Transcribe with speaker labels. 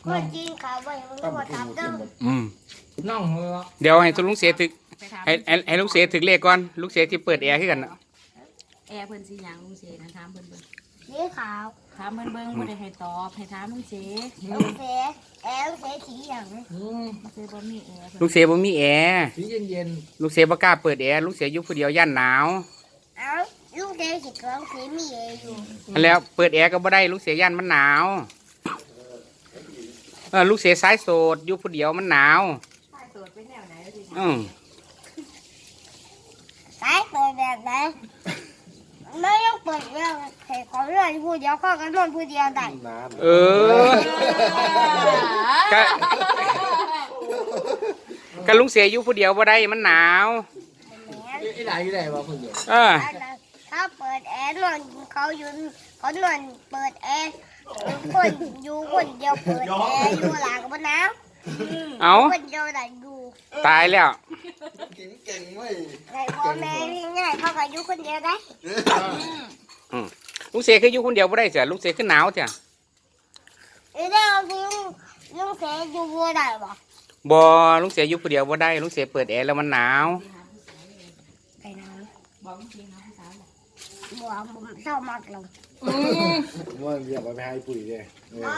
Speaker 1: คนจีนเขาไปมันก็มาทำเด้อ
Speaker 2: อืม
Speaker 3: น้องเหรอ
Speaker 2: เดี๋ยวให้ทุกลุงเสียถึกให้ลุงเสียถึกเลขก่อนลุงเสียที่เปิดแอร์ขึ้นกันน่ะ
Speaker 4: แอร์เพิ่นสิหยังลุงเสนะถามเพิ่นเบิ่ง
Speaker 1: สีขาว
Speaker 4: ถามเพิ่นเบิ่งบ่ได้ให้ตอบให้ถามลุงเส
Speaker 1: ลูกเสือลูกเสือสีอย่าง
Speaker 3: อืม
Speaker 4: ลุงเสบ่มีแอร์
Speaker 2: ลุงเสียบ่มีแอร์
Speaker 3: สีเย็น
Speaker 2: ลุงเสียบ่กล้าเปิดแอร์ลุงเสียอยู่ผู้เดียวย่านหนาว
Speaker 1: เอาลูกเสือสีกองสีมีเออยู่
Speaker 2: อันแล้วเปิดแอร์ก็บ่ได้ลุงเสียย่านมันหนาวลุงเสียสายโสดอยู่ผู้เดียวมันหนาว
Speaker 4: สายตรวจเป็นแนวไหนแล้วสิ
Speaker 2: อืม
Speaker 1: สายเปิดแบบไหนไม่ต้องเปิดเรื่องเหตุของเรื่องพูดเดียวข้อกันนอนพูดเดียวได้
Speaker 2: เออก็ก็ลุงเสียอยู่ผู้เดียวบ่ได้มันหนาว
Speaker 3: ๆไอ้ไหนอยู่ไหนวะคนเดียว
Speaker 2: เออ
Speaker 1: ถ้าเปิดแอร์นอนเขาอยู่เขานอนเปิดแอร์คนอยู่คนเดียวเปิดแอร์อยู่หลังบนน้
Speaker 2: เอา
Speaker 1: ำคนเดียวได้อยู่
Speaker 2: ตายแล้ว
Speaker 5: เก่งเว้ย
Speaker 1: ในพ่อแม่ง่ายเขาก็อยู่คนเดียวได้
Speaker 2: ลุงเสียคืออยู่คนเดียวบ่ได้เสียลุงเสียคือหนาวเสีย
Speaker 1: เดี๋ยวลุงเสยอยู่บัวได้ปะ
Speaker 2: บ่ลุงเสียอยู่ผู้เดียวบ่ได้ลุงเสียเปิดแอร์แล้วมันหนาว
Speaker 1: ไปนอน
Speaker 4: บอกลุงเสนะผู้สาวบอก
Speaker 1: บัวผมชอบมากเลย
Speaker 3: ว่าอยากไปให้ปุ๋ยเลย